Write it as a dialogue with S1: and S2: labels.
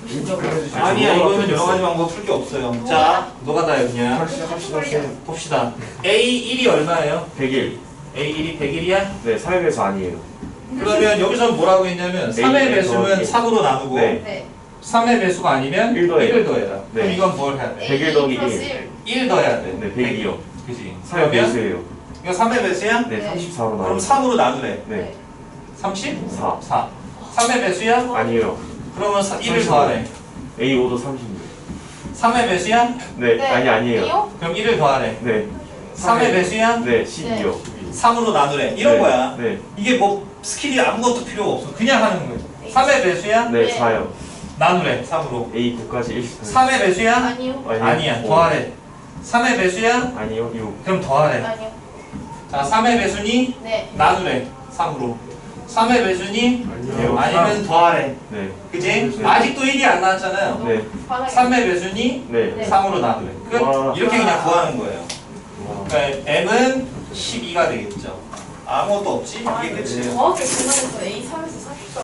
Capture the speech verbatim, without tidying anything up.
S1: 아니야, 이거는 여러 가지 방법 풀 게 없어요. 자, 너가 다 여기냐?
S2: 합시다.
S1: 봅시다. 에이 일이 얼마예요?
S2: 백일.
S1: 에이 일이 백일이야?
S2: 네, 삼의 배수 아니에요.
S1: 그러면 여기서 뭐라고 했냐면 삼의 배수는 삼으로 나누고
S2: 네.
S3: 네.
S1: 삼의 배수가 아니면
S2: 일 더해요.
S1: 일을 더해라.
S2: 네.
S1: 그럼 이건 뭘 해야 돼?
S2: 백일 더하기
S3: 플러스
S2: 일.
S3: 일.
S1: 일 더해야 돼.
S2: 네, 백이요.
S1: 그지?
S2: 삼의
S1: 그러면
S2: 배수예요.
S1: 이거 삼의 배수야?
S2: 네,
S3: 네.
S2: 삼십사로 나와요.
S1: 그럼 삼으로 나누래.
S2: 네,
S1: 삼십사.
S2: 사.
S1: 삼의 배수야?
S2: 아니에요.
S1: 그러면 사, 일을
S2: 삼십오.
S1: 더하래.
S2: 에이 오도 삼십육.
S1: 삼의 배수야?
S2: 네, 아니 아니에요.
S3: 이요?
S1: 그럼 일을 더하래.
S2: 네,
S1: 삼의 배수야?
S2: 네, 십이요.
S1: 삼으로 나누래. 이런
S2: 네,
S1: 거야.
S2: 네,
S1: 이게 뭐 스킬이 아무것도 필요가 없어. 그냥 하는 거예요. 삼의 배수야?
S2: 네,
S3: 네.
S2: 사요.
S1: 나누래. 삼으로.
S2: 에이 구까지 일.
S1: 삼의 배수야?
S3: 아니요.
S1: 아니야.
S2: 오.
S1: 더하래. 삼의 배수야?
S2: 아니요, 육.
S1: 그럼 더하래.
S3: 아니요.
S1: 자, 삼의 배수니?
S3: 네.
S1: 나누래. 삼으로. 삼의 배수니?
S2: 아니요.
S1: 아니면 더하래.
S2: 네,
S1: 그지?
S2: 네.
S1: 아직도 일이 안 나왔잖아요.
S2: 네,
S3: 바닥에.
S1: 삼의 배수니?
S2: 네.
S3: 네.
S1: 삼으로 나누래. 끝.
S2: 와.
S1: 이렇게 그냥 구하는 거예요.
S2: 와.
S1: 그러니까 m은 십이가 되겠죠. 아무것도 없지? 이게 끝이에요.
S3: 정확히 구분해서 A 삼에서 삼십사.